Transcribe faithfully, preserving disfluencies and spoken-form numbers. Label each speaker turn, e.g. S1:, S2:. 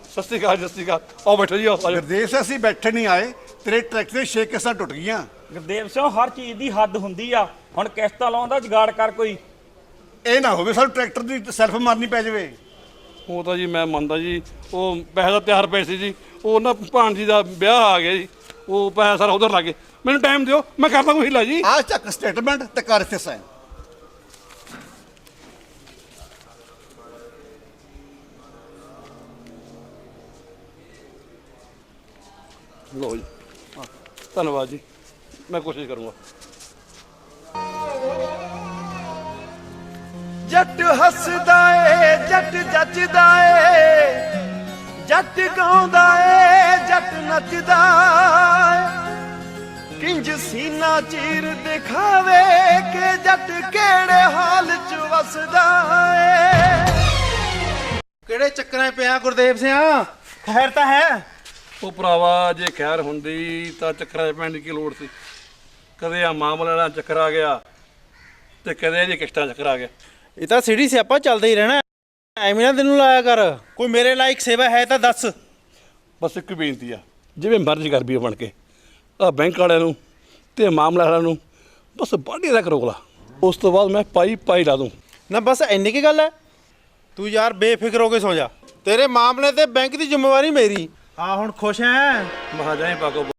S1: ਸਤਿ ਸ਼੍ਰੀ ਅਕਾਲ, ਸਤਿ ਸ਼੍ਰੀ ਅਕਾਲ। ਆਓ ਬੈਠੋ ਜੀ, ਆਓ ਆ ਜਾਓ।
S2: ਗੁਰਦੇਵ ਸਿੰਘ ਅਸੀਂ ਬੈਠੇ ਨਹੀਂ ਆਏ, ਤੇਰੇ ਟਰੈਕਟਰ ਦੇ ਛੇ ਕਿਸ਼ਤਾਂ ਟੁੱਟ ਗਈਆਂ।
S3: ਗੁਰਦੇਵ ਸਿੰਘ ਹਰ ਚੀਜ਼ ਦੀ ਹੱਦ ਹੁੰਦੀ ਆ। ਹੁਣ ਕਿਸ਼ਤਾਂ ਲਾਉਣ ਦਾ ਜੁਗਾੜ ਕਰ ਕੋਈ।
S2: ਇਹ ਨਾ ਹੋਵੇ ਸਾਨੂੰ ਟਰੈਕਟਰ ਦੀ ਸੈਲਫ ਮਾਰਨੀ ਪੈ ਜਾਵੇ।
S1: ਉਹ ਤਾਂ ਜੀ ਮੈਂ ਮੰਨਦਾ ਜੀ, ਉਹ ਪੈਸੇ ਦਾ ਤਿਆਰ ਪਏ ਸੀ ਜੀ, ਉਹ ਨਾ ਭਾਣਜੀ ਦਾ ਵਿਆਹ ਆ ਗਿਆ ਜੀ, ਉਹ ਪੈਸਾ ਸਾਰਾ ਉਧਰ ਲੱਗ ਗਿਆ। ਮੈਨੂੰ ਟਾਈਮ ਦਿਓ, ਮੈਂ ਕਰਦਾ ਕੋਈ ਹਿੱਲਾ ਜੀ।
S2: ਆਹ ਚੱਕ ਸਟੇਟਮੈਂਟ ਤੇ ਕਰ ਇੱਥੇ ਸਾਈਨ।
S1: ਲਓ ਜੀ, ਹਾਂ, ਧੰਨਵਾਦ ਜੀ, ਮੈਂ ਕੋਸ਼ਿਸ਼ ਕਰੂੰਗਾ।
S4: ਜੱਟ ਹੱਸਦਾ ਏ, ਜੱਟ ਜੱਜਦਾ ਏ, ਜੱਟ ਗਾਉਂਦਾ ਏ, ਜੱਟ ਨੱਚਦਾ ਏ। ਕਿੰਜ ਸੀਨਾ ਚੀਰ ਦਿਖਾਵੇ ਕਿ ਜੱਟ ਕਿਹੜੇ ਹਾਲ ਚ ਵਸਦਾ ਏ।
S5: ਕਿਹੜੇ ਚੱਕਰਾਂ 'ਚ ਪਿਆ ਗੁਰਦੇਵ ਸਿੰਘ? ਖੈਰ ਤਾਂ ਹੈ?
S1: ਉਹ ਭਰਾਵਾ ਜੇ ਖੈਰ ਹੁੰਦੀ ਤਾਂ ਚੱਕਰਾਂ 'ਚ ਪੈਣ ਦੀ ਕੀ ਲੋੜ ਸੀ। ਕਦੇ ਆ ਮਾਮਲੇ ਨਾਲ ਚੱਕਰ ਆ ਗਿਆ ਤੇ ਕਦੇ ਇਹਦੀ ਕਿਸ਼ਤਾਂ ਚੱਕਰ ਆ ਗਿਆ।
S5: ਇਹ ਤਾਂ ਸਿੱਧੀ ਸਿਆਪਾ ਚੱਲਦਾ ਹੀ ਰਹਿਣਾ, ਐਵੇਂ ਨਾ ਤੈਨੂੰ ਲਾਇਆ ਕਰ। ਕੋਈ ਮੇਰੇ ਲਾਇਕ ਸੇਵਾ ਹੈ ਤਾਂ ਦੱਸ।
S1: ਬਸ ਇੱਕ ਬੇਨਤੀ ਆ, ਜਿਵੇਂ ਮਰਜ਼ੀ ਕਰ ਵੀ ਬਣ ਕੇ ਆ ਬੈਂਕ ਵਾਲਿਆਂ ਨੂੰ ਤੇ ਮਾਮਲਾ ਵਾਲਿਆਂ ਨੂੰ ਬਸ ਬਾਢੀ ਦਾ ਕਰੋਗਲਾ, ਉਸ ਤੋਂ ਬਾਅਦ ਮੈਂ ਪਾਈ ਪਾਈ ਲਾ ਦੂੰ।
S5: ਨਾ ਬਸ ਇੰਨੀ ਕੀ ਗੱਲ ਹੈ? ਤੂੰ ਯਾਰ ਬੇਫਿਕਰ ਹੋ ਕੇ ਸੌ ਜਾ। ਤੇਰੇ ਮਾਮਲੇ ਤੇ ਬੈਂਕ ਦੀ ਜ਼ਿੰਮੇਵਾਰੀ ਮੇਰੀ। ਆ ਹੁਣ ਖੁਸ਼ ਹੈ?
S1: ਮਹਾਜਾਈ ਪਾਕੋ